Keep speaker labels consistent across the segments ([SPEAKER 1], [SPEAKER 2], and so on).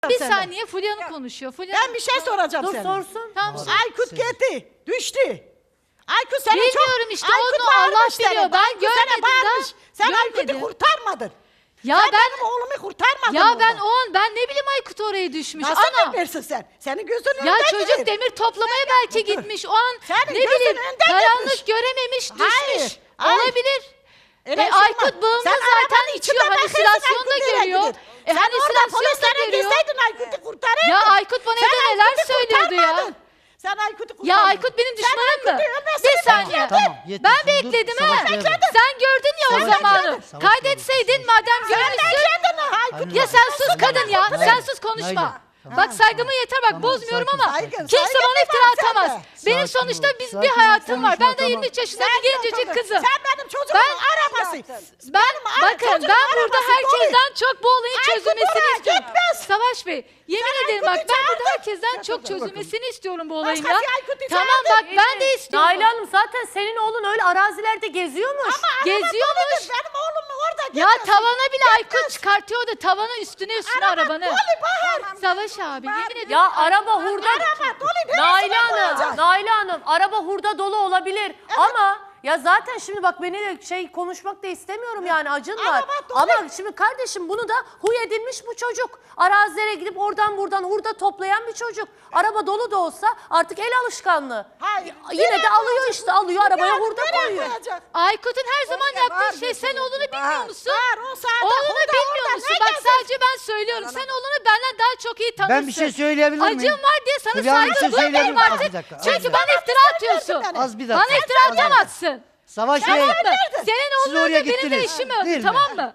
[SPEAKER 1] Bir saniye Fulya Hanım konuşuyor. Fulya
[SPEAKER 2] Ben bir şey soracağım
[SPEAKER 3] Dur
[SPEAKER 2] sana.
[SPEAKER 3] sorsun.
[SPEAKER 1] Tamam.
[SPEAKER 2] Aykut gitti, düştü. Aykut seni
[SPEAKER 1] Bilmiyorum
[SPEAKER 2] çok...
[SPEAKER 1] işte,
[SPEAKER 2] Aykut
[SPEAKER 1] onu Allah
[SPEAKER 2] bağırmış seni,
[SPEAKER 1] biliyor. Ben
[SPEAKER 2] Aykut sana
[SPEAKER 1] görmedim
[SPEAKER 2] bağırmış.
[SPEAKER 1] daha.
[SPEAKER 2] Sen Aykut'u
[SPEAKER 1] Görmedim.
[SPEAKER 2] kurtarmadın.
[SPEAKER 1] Ya
[SPEAKER 2] Sen
[SPEAKER 1] ben
[SPEAKER 2] benim oğlumu kurtarmadın.
[SPEAKER 1] ya ben
[SPEAKER 2] oradan.
[SPEAKER 1] ben ne bileyim Aykut oraya düşmüş.
[SPEAKER 2] Nasıl
[SPEAKER 1] Ana.
[SPEAKER 2] bilirsin sen? Senin gözünün
[SPEAKER 1] Ya
[SPEAKER 2] önünde
[SPEAKER 1] çocuk
[SPEAKER 2] değil.
[SPEAKER 1] demir toplamaya belki gitmiş. O an
[SPEAKER 2] Senin
[SPEAKER 1] ne
[SPEAKER 2] gözünün
[SPEAKER 1] bileyim
[SPEAKER 2] önünde
[SPEAKER 1] karanlık
[SPEAKER 2] gitmiş.
[SPEAKER 1] görememiş,
[SPEAKER 2] Hayır,
[SPEAKER 1] düşmüş.
[SPEAKER 2] hayır.
[SPEAKER 1] Olabilir.
[SPEAKER 2] Öyle şey
[SPEAKER 1] Aykut
[SPEAKER 2] olmaz.
[SPEAKER 1] bağımlı
[SPEAKER 2] Sen
[SPEAKER 1] zaten
[SPEAKER 2] arabanın
[SPEAKER 1] içiyor.
[SPEAKER 2] içinde bakıyorsun,
[SPEAKER 1] Halüsinasyon da
[SPEAKER 2] Aykut nereye
[SPEAKER 1] görüyor.
[SPEAKER 2] gidiyor?
[SPEAKER 1] Sen orada
[SPEAKER 2] Halüsinasyon da
[SPEAKER 1] polislere
[SPEAKER 2] görüyor.
[SPEAKER 1] girseydin
[SPEAKER 2] Aykut'u kurtarırdın.
[SPEAKER 1] Ya Aykut bana
[SPEAKER 2] Sen
[SPEAKER 1] evde neler
[SPEAKER 2] Aykut'u
[SPEAKER 1] söylüyordu ya.
[SPEAKER 2] kurtarmadın. Sen Aykut'u kurtarmadın.
[SPEAKER 1] Ya Aykut benim düşmanım mı? Bir saniye.
[SPEAKER 4] Tamam, yeter.
[SPEAKER 1] Ben
[SPEAKER 4] Dur,
[SPEAKER 1] bekledim ha.
[SPEAKER 4] Savaş Bey'e bak.
[SPEAKER 1] Sen gördün ya o
[SPEAKER 4] Savaş
[SPEAKER 1] zamanı.
[SPEAKER 4] Bey'e bak. Savaş
[SPEAKER 1] Kaydetseydin madem görmüşsün.
[SPEAKER 2] Aykut
[SPEAKER 1] Ya sen sus kadın ya.
[SPEAKER 4] Nalan,
[SPEAKER 1] Sen sus konuşma.
[SPEAKER 4] Nalan, tamam.
[SPEAKER 1] Bak saygımı yeter bak
[SPEAKER 4] Tamam,
[SPEAKER 1] bozmuyorum
[SPEAKER 4] sakin,
[SPEAKER 1] ama
[SPEAKER 4] sakin.
[SPEAKER 1] kimse
[SPEAKER 2] Saygın
[SPEAKER 1] bana
[SPEAKER 2] var
[SPEAKER 1] iftira
[SPEAKER 2] sende.
[SPEAKER 1] atamaz. Benim
[SPEAKER 4] Sakin
[SPEAKER 1] sonuçta
[SPEAKER 4] ol,
[SPEAKER 1] bir
[SPEAKER 4] sakin ol,
[SPEAKER 1] hayatım var. Ben
[SPEAKER 4] konuşma,
[SPEAKER 1] de 23 yaşında
[SPEAKER 2] Sen
[SPEAKER 1] bir gencecik
[SPEAKER 2] de
[SPEAKER 1] kızım.
[SPEAKER 2] Sen benim çocuğumun arabası.
[SPEAKER 1] Bakın ben burada
[SPEAKER 2] arabası
[SPEAKER 1] herkesten çok bu olayın
[SPEAKER 2] Aykut
[SPEAKER 1] çözülmesini
[SPEAKER 2] oraya
[SPEAKER 1] istiyorum.
[SPEAKER 2] gitmez.
[SPEAKER 1] Savaş Bey yemin ederim bak
[SPEAKER 2] Aykut'u
[SPEAKER 1] ben burada
[SPEAKER 2] çağırdın.
[SPEAKER 1] herkesten çok çözülmesini istiyorum bu olayın ya.
[SPEAKER 2] Başkası Aykut'u
[SPEAKER 1] Tamam bak
[SPEAKER 2] çağırdı.
[SPEAKER 1] ben de istiyorum.
[SPEAKER 3] Nail Hanım zaten senin oğlun öyle arazilerde geziyormuş.
[SPEAKER 1] Geziyormuş.
[SPEAKER 2] Benim oğlum orada
[SPEAKER 1] Ya
[SPEAKER 2] gitmez.
[SPEAKER 1] tavana bile Aykut çıkartıyordu. Tavana üstüne arabanı.
[SPEAKER 2] Dolu Bahar.
[SPEAKER 1] Savaş abi yemin ederim.
[SPEAKER 3] Ya araba hurda.
[SPEAKER 2] Araba dolu.
[SPEAKER 3] Nail
[SPEAKER 2] Neresine
[SPEAKER 3] Hanım,
[SPEAKER 2] koyacak?
[SPEAKER 3] Nail Hanım araba hurda dolu olabilir ama ya zaten şimdi bak beni de konuşmak da istemiyorum yani acın var.
[SPEAKER 2] Araba dolu.
[SPEAKER 3] Ama şimdi kardeşim bunu da huy edinmiş bu çocuk. Arazilere gidip oradan buradan hurda toplayan bir çocuk. Araba dolu da olsa artık el alışkanlığı.
[SPEAKER 2] Hayır.
[SPEAKER 3] Yine
[SPEAKER 2] Nereye
[SPEAKER 3] de alıyor
[SPEAKER 2] koyacak?
[SPEAKER 3] işte alıyor arabaya
[SPEAKER 2] Yani
[SPEAKER 3] hurda
[SPEAKER 2] nereye
[SPEAKER 3] koyuyor.
[SPEAKER 2] koyacak?
[SPEAKER 1] Aykut'un her zaman
[SPEAKER 2] Oraya
[SPEAKER 1] yaptığı
[SPEAKER 2] bağır
[SPEAKER 1] şey sen
[SPEAKER 2] diyorsun.
[SPEAKER 1] oğlunu bilmiyor
[SPEAKER 2] Bağır,
[SPEAKER 1] musun?
[SPEAKER 2] bağır, o saatte
[SPEAKER 1] Oğlunu
[SPEAKER 2] hurda,
[SPEAKER 1] bilmiyor
[SPEAKER 2] hurda,
[SPEAKER 1] musun?
[SPEAKER 2] ne
[SPEAKER 1] Bak
[SPEAKER 2] gezer?
[SPEAKER 1] sadece ben söylüyorum. Sen oğlunu benden daha çok iyi tanırsın.
[SPEAKER 4] Ben bir şey söyleyebilir miyim?
[SPEAKER 1] Acım var diye sana
[SPEAKER 4] Fulya Hanım, bir
[SPEAKER 1] saygı
[SPEAKER 4] şey söyleyebilir
[SPEAKER 1] duymayayım
[SPEAKER 4] miyim? Az
[SPEAKER 1] artık.
[SPEAKER 4] bir dakika, az
[SPEAKER 1] Çünkü
[SPEAKER 4] bir
[SPEAKER 1] bana
[SPEAKER 4] dakika.
[SPEAKER 1] iftira atıyorsun.
[SPEAKER 4] Az bir dakika.
[SPEAKER 1] Bana iftira
[SPEAKER 4] az bir dakika.
[SPEAKER 1] atamazsın.
[SPEAKER 4] Savaş
[SPEAKER 1] Tamam
[SPEAKER 4] Bey.
[SPEAKER 1] mı? Senin
[SPEAKER 4] Siz
[SPEAKER 1] oğlunla
[SPEAKER 4] oraya
[SPEAKER 1] benim de
[SPEAKER 4] gittiniz.
[SPEAKER 1] işim
[SPEAKER 4] Değil
[SPEAKER 1] öldü
[SPEAKER 4] mi?
[SPEAKER 1] tamam mı?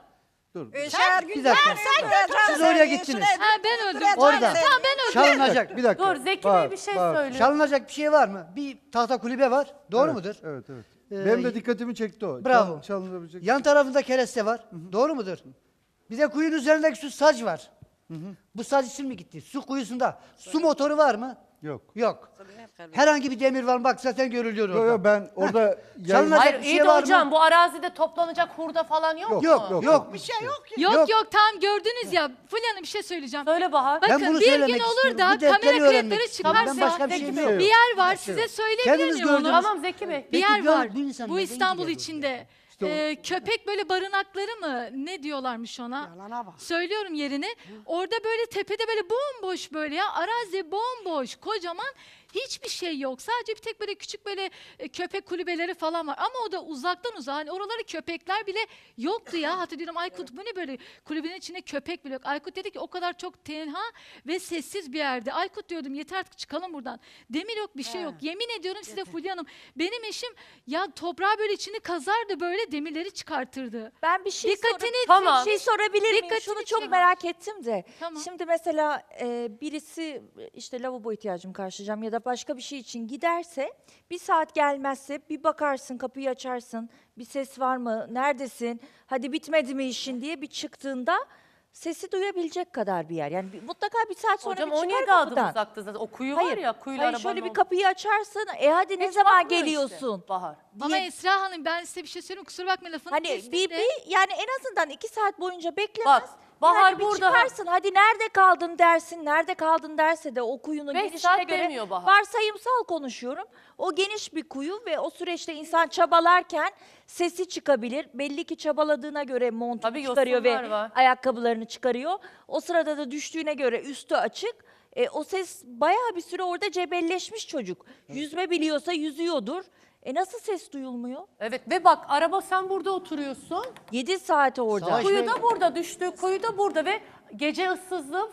[SPEAKER 4] Bir dakika. Siz oraya gittiniz.
[SPEAKER 1] Ha ben öldüm.
[SPEAKER 4] Orada.
[SPEAKER 1] Tamam ben öldüm.
[SPEAKER 4] Çalınacak.
[SPEAKER 5] Bir dakika.
[SPEAKER 3] Dur Zeki Bey bir şey söyle.
[SPEAKER 4] Çalınacak bir şey var mı? Bir tahta kulübe var. Doğru mudur?
[SPEAKER 5] Evet, evet.
[SPEAKER 4] Ee,
[SPEAKER 5] Benim de dikkatimi çekti o.
[SPEAKER 4] Bravo.
[SPEAKER 5] Çalınabilecek.
[SPEAKER 4] Yan tarafında kereste var. Doğru mudur? Bir de kuyunun üzerindeki su sac var. Bu sac için mi gitti? Su kuyusunda. Su motoru var mı?
[SPEAKER 5] Yok.
[SPEAKER 4] Yok. Herhangi bir demir var mı? Bak zaten görülüyor
[SPEAKER 5] Yok
[SPEAKER 4] orada.
[SPEAKER 5] yok ben orada
[SPEAKER 4] Çalınacak
[SPEAKER 3] Hayır
[SPEAKER 4] bir
[SPEAKER 3] iyi
[SPEAKER 4] şey
[SPEAKER 3] de
[SPEAKER 4] var
[SPEAKER 3] hocam
[SPEAKER 4] mı?
[SPEAKER 3] bu arazide toplanacak hurda falan yok mu?
[SPEAKER 4] Yok.
[SPEAKER 2] Bir şey yok ki.
[SPEAKER 1] Yok
[SPEAKER 4] Yok.
[SPEAKER 1] yok tamam gördünüz ya. Fulya Hanım bir şey söyleyeceğim.
[SPEAKER 3] Söyle Bahar.
[SPEAKER 1] Bakın
[SPEAKER 4] Ben bunu
[SPEAKER 1] bir gün
[SPEAKER 4] söylemek
[SPEAKER 1] olur
[SPEAKER 4] istiyorum.
[SPEAKER 1] da
[SPEAKER 4] Bu defteri
[SPEAKER 1] kamera
[SPEAKER 4] öğrenmek
[SPEAKER 1] kayıtları
[SPEAKER 4] istiyorum. Ben
[SPEAKER 1] çıkarsa
[SPEAKER 4] başka bir şeyim yok.
[SPEAKER 1] bir yer var size söyleyebilir
[SPEAKER 4] Kendiniz
[SPEAKER 1] miyim onu?
[SPEAKER 4] gördünüz.
[SPEAKER 3] Tamam Zeki Bey.
[SPEAKER 1] Bir yer
[SPEAKER 4] Peki,
[SPEAKER 1] var.
[SPEAKER 4] bu insan
[SPEAKER 1] Bu
[SPEAKER 4] neden
[SPEAKER 1] İstanbul
[SPEAKER 4] gidiyor
[SPEAKER 1] içinde. Köpek böyle barınakları mı? Ne diyorlarmış ona?
[SPEAKER 2] Yalana bak.
[SPEAKER 1] Söylüyorum yerini. Orada böyle tepede böyle bomboş böyle ya. Arazi bomboş, kocaman. Hiçbir şey yok. Sadece bir tek böyle küçük böyle köpek kulübeleri falan var. Ama o da uzaktan uzağa. Hani oraları köpekler bile yoktu ya. Hatta diyorum Aykut bu ne böyle kulübenin içinde köpek bile yok. Aykut dedi ki o kadar çok tenha ve sessiz bir yerde. Aykut diyordum yeter artık çıkalım buradan. Demir yok bir şey yok. Yemin ediyorum size Fulya Hanım. Benim eşim ya toprağı böyle içini kazardı böyle demirleri çıkartırdı.
[SPEAKER 6] Ben bir şey
[SPEAKER 1] Dikkatini
[SPEAKER 3] Tamam.
[SPEAKER 6] Bir şey sorabilir miyim?
[SPEAKER 1] Dikkatini
[SPEAKER 6] Şunu çok
[SPEAKER 1] çek.
[SPEAKER 6] merak ettim de.
[SPEAKER 1] Tamam.
[SPEAKER 6] Şimdi mesela birisi işte lavabo ihtiyacımı karşılayacağım ya da başka bir şey için giderse bir saat gelmezse bir bakarsın kapıyı açarsın bir ses var mı neredesin hadi bitmedi mi işin diye bir çıktığında sesi duyabilecek kadar bir yer. Yani mutlaka bir saat sonra
[SPEAKER 3] Hocam
[SPEAKER 6] bir çıkar
[SPEAKER 3] 17 adım
[SPEAKER 6] kapıdan.
[SPEAKER 3] uzakta zaten. O kuyu var ya kuyuyla
[SPEAKER 6] hayır
[SPEAKER 3] arabanın
[SPEAKER 6] şöyle bir
[SPEAKER 3] olduğu-
[SPEAKER 6] kapıyı açarsın hadi ne
[SPEAKER 3] Hiç
[SPEAKER 6] zaman
[SPEAKER 3] bakmıyor
[SPEAKER 6] geliyorsun?
[SPEAKER 3] işte, Bahar.
[SPEAKER 1] Ama Esra Hanım ben size bir şey söyleyeyim kusura bakmayın lafını
[SPEAKER 6] Hani
[SPEAKER 1] kestim
[SPEAKER 6] bir
[SPEAKER 1] de.
[SPEAKER 6] yani en azından 2 saat boyunca beklemez.
[SPEAKER 3] Bak, Bahar
[SPEAKER 6] yani bir
[SPEAKER 3] burada-
[SPEAKER 6] çıkarsın hadi nerede kaldın dersin. Nerede kaldın derse de o kuyunun
[SPEAKER 3] 5
[SPEAKER 6] genişliğine
[SPEAKER 3] saat
[SPEAKER 6] göre
[SPEAKER 3] demiyor Bahar.
[SPEAKER 6] varsayımsal konuşuyorum. O geniş bir kuyu ve o süreçte insan çabalarken sesi çıkabilir. Belli ki çabaladığına göre montunu
[SPEAKER 3] Tabii
[SPEAKER 6] çıkarıyor ve
[SPEAKER 3] yosunlar var.
[SPEAKER 6] ayakkabılarını çıkarıyor. O sırada da düştüğüne göre üstü açık. O ses bayağı bir süre orada cebelleşmiş çocuk. Yüzme biliyorsa yüzüyordur. Nasıl ses duyulmuyor?
[SPEAKER 3] Evet ve bak araba sen burada oturuyorsun.
[SPEAKER 6] 7 saat orada.
[SPEAKER 4] Savaş-
[SPEAKER 3] Kuyu da burada düştü. Kuyu da burada ve gece ıssızlığı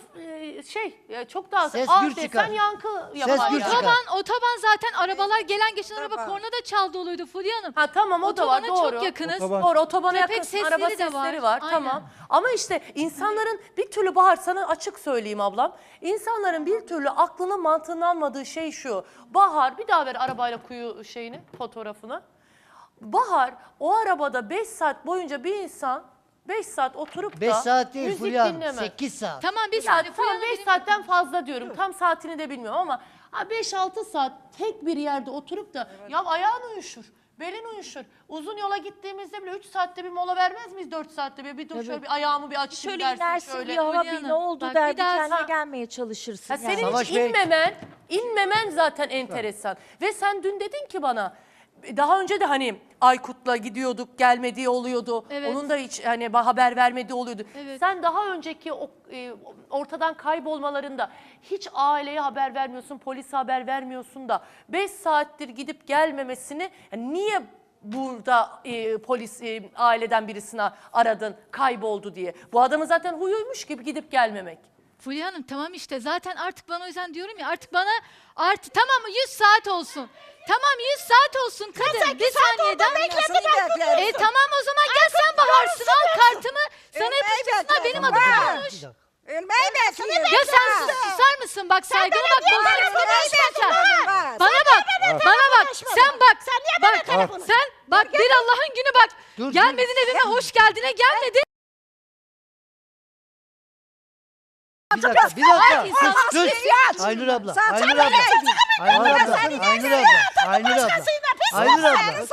[SPEAKER 3] çok daha
[SPEAKER 4] Ses
[SPEAKER 3] az
[SPEAKER 4] gür
[SPEAKER 3] desen
[SPEAKER 4] çıkar.
[SPEAKER 3] yankı
[SPEAKER 4] Ses
[SPEAKER 3] yapar
[SPEAKER 4] gür
[SPEAKER 3] yani.
[SPEAKER 4] çıkar.
[SPEAKER 1] Otoban zaten arabalar gelen geçen araba korna da çal doluydu Fulya Hanım.
[SPEAKER 3] Ha tamam o da var
[SPEAKER 1] Otobana
[SPEAKER 3] doğru.
[SPEAKER 1] çok yakınız.
[SPEAKER 5] Otoban.
[SPEAKER 3] Doğru otobana
[SPEAKER 1] Köpek
[SPEAKER 3] yakın
[SPEAKER 1] sesleri
[SPEAKER 3] araba
[SPEAKER 1] de
[SPEAKER 3] sesleri
[SPEAKER 1] var.
[SPEAKER 3] var,
[SPEAKER 1] Aynen.
[SPEAKER 3] tamam. Ama işte insanların bir türlü Bahar sana açık söyleyeyim ablam. İnsanların bir türlü aklının mantığının almadığı şey şu. Bahar bir daha ver arabayla kuyu fotoğrafını. Bahar o arabada 5 saat boyunca bir insan 5 saat oturup
[SPEAKER 4] 5
[SPEAKER 3] da
[SPEAKER 4] saat değil
[SPEAKER 3] müzik
[SPEAKER 4] Fulya Hanım.
[SPEAKER 3] dinlemez.
[SPEAKER 4] 8 saat.
[SPEAKER 1] Tamam bir
[SPEAKER 3] Yani
[SPEAKER 1] saniye Fulya
[SPEAKER 3] tamam
[SPEAKER 1] Hanım
[SPEAKER 3] 5 saatten fazla diyorum. Tam saatini de bilmiyorum ama 5-6 saat tek bir yerde oturup da ya ayağın uyuşur. Belin uyuşur. Uzun yola gittiğimizde bile 3 saatte bir mola vermez miyiz? 4 saatte bir. Bir dur şöyle bir ayağımı bir açayım
[SPEAKER 6] Şöyle
[SPEAKER 3] dersin
[SPEAKER 6] inersin
[SPEAKER 3] şöyle.
[SPEAKER 6] bir hava
[SPEAKER 1] Hülya
[SPEAKER 6] bir ne
[SPEAKER 1] Hanım,
[SPEAKER 6] oldu
[SPEAKER 1] bak
[SPEAKER 6] der
[SPEAKER 1] bir
[SPEAKER 6] bir
[SPEAKER 1] daha
[SPEAKER 6] kendine
[SPEAKER 3] sen-
[SPEAKER 6] gelmeye çalışırsın.
[SPEAKER 3] Ha, senin
[SPEAKER 6] yani.
[SPEAKER 3] hiç
[SPEAKER 4] Savaş Bey.
[SPEAKER 3] inmemen zaten enteresan. Ve sen dün dedin ki bana, daha önce de hani Aykut'la gidiyorduk, gelmediği oluyordu.
[SPEAKER 1] Evet.
[SPEAKER 3] Onun da hiç hani haber vermediği oluyordu.
[SPEAKER 1] Evet.
[SPEAKER 3] Sen daha önceki ortadan kaybolmalarında hiç aileye haber vermiyorsun, polise haber vermiyorsun da 5 saattir gidip gelmemesini yani niye burada polis aileden birisine aradın, kayboldu diye. Bu adamın zaten huyuymuş gibi gidip gelmemek.
[SPEAKER 1] Fulya Hanım tamam işte zaten artık bana o yüzden diyorum ya artık bana tamam mı 100 saat olsun. Tamam 100 saat olsun kadın. Bir saniyeden. Tamam o zaman gel sen Baharsın al kartımı. Sana yapıştırsınlar benim adım konuş.
[SPEAKER 7] Ölmeyi bekliyorum.
[SPEAKER 1] Ya sen susar mısın bak saygılı bak bozulursun konuşma. Bana bak sen bak. Sen bak bir Allah'ın günü bak.
[SPEAKER 4] Dur,
[SPEAKER 1] Gelmedin evime hoş geldine gelmedin.
[SPEAKER 4] Bir dakika.
[SPEAKER 1] Ay, insan
[SPEAKER 4] Sus. Aynur abla. Aynur abla. Aynur abla. Aynur abla. Aynur abla. Aynur abla.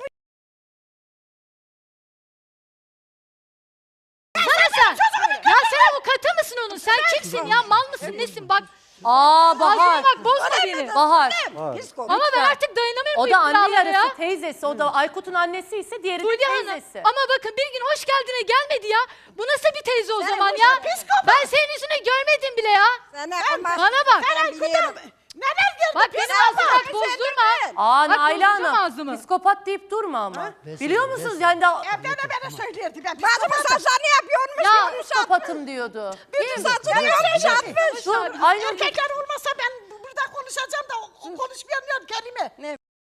[SPEAKER 1] sen. Ya sen avukatı mısın onun? Sen kimsin ya? Mal mısın? Nesin? Bak.
[SPEAKER 3] Bahar.
[SPEAKER 1] Ağzına bak bozma beni.
[SPEAKER 3] Bahar.
[SPEAKER 1] Ama ben artık dayanamıyorum
[SPEAKER 3] O
[SPEAKER 1] bu
[SPEAKER 3] da anne
[SPEAKER 1] iftiralara ya.
[SPEAKER 3] yarısı teyzesi. O da Aykut'un annesi ise diğeri de
[SPEAKER 1] Fulya Hanım.
[SPEAKER 3] teyzesi.
[SPEAKER 1] Ama bakın bir gün hoş geldine gelmedi ya. Bu nasıl bir teyze o zaman ya? Ben senin yüzünü görmedim bile ya. Bana bak. Bak benim ağzımı bak bozdurma.
[SPEAKER 3] Aa
[SPEAKER 1] Bak,
[SPEAKER 3] Naila
[SPEAKER 1] bozdurma
[SPEAKER 3] Hanım.
[SPEAKER 1] ağzımı.
[SPEAKER 3] Psikopat deyip durma ama.
[SPEAKER 4] Vesin,
[SPEAKER 3] Biliyor musunuz
[SPEAKER 4] vesin.
[SPEAKER 3] yani de
[SPEAKER 7] Evde de bana söylerdi. Ben bazı mesajlarını yapıyormuş.
[SPEAKER 3] ya psikopatım diyordu.
[SPEAKER 7] Bütün saçını öyle şey yapmış.
[SPEAKER 3] Dur Aynur
[SPEAKER 7] Erkekler olmasa ben burada konuşacağım da o konuşmayamıyorum kelime. Ne?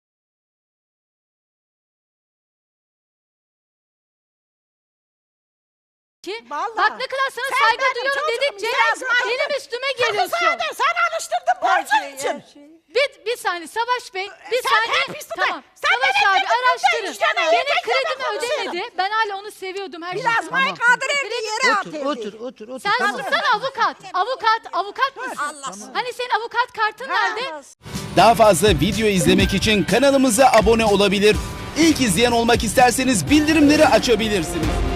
[SPEAKER 1] Ki,
[SPEAKER 7] Vallahi.
[SPEAKER 1] bak ne kadar sana
[SPEAKER 7] Sen
[SPEAKER 1] saygı
[SPEAKER 7] benim
[SPEAKER 1] duyuyorum
[SPEAKER 7] çocuğum,
[SPEAKER 1] dedikçe
[SPEAKER 7] biraz
[SPEAKER 1] benim üstüme geliyorsun.
[SPEAKER 7] Sen alıştırdın borcun için.
[SPEAKER 1] Bir saniye Savaş Bey, bir
[SPEAKER 7] Sen
[SPEAKER 1] saniye.
[SPEAKER 7] hep üstüne-
[SPEAKER 1] Tamam.
[SPEAKER 7] Sen
[SPEAKER 1] Savaş
[SPEAKER 7] benim
[SPEAKER 1] abi
[SPEAKER 7] yanımda
[SPEAKER 1] araştırın.
[SPEAKER 7] işte, ben
[SPEAKER 1] Benim
[SPEAKER 7] erkeklerle
[SPEAKER 1] kredimi
[SPEAKER 7] konuşuyorum.
[SPEAKER 1] ödemedi. Ben hala onu seviyordum her
[SPEAKER 7] Biraz
[SPEAKER 1] şeyden.
[SPEAKER 7] may kaldır evde yere at
[SPEAKER 4] Otur, otur.
[SPEAKER 1] Sen
[SPEAKER 4] Tamam.
[SPEAKER 1] sussana avukat. Avukat mısın? Hani senin avukat kartın nerede?
[SPEAKER 8] Daha fazla video izlemek için kanalımıza abone olabilir. İlk izleyen olmak isterseniz bildirimleri açabilirsiniz.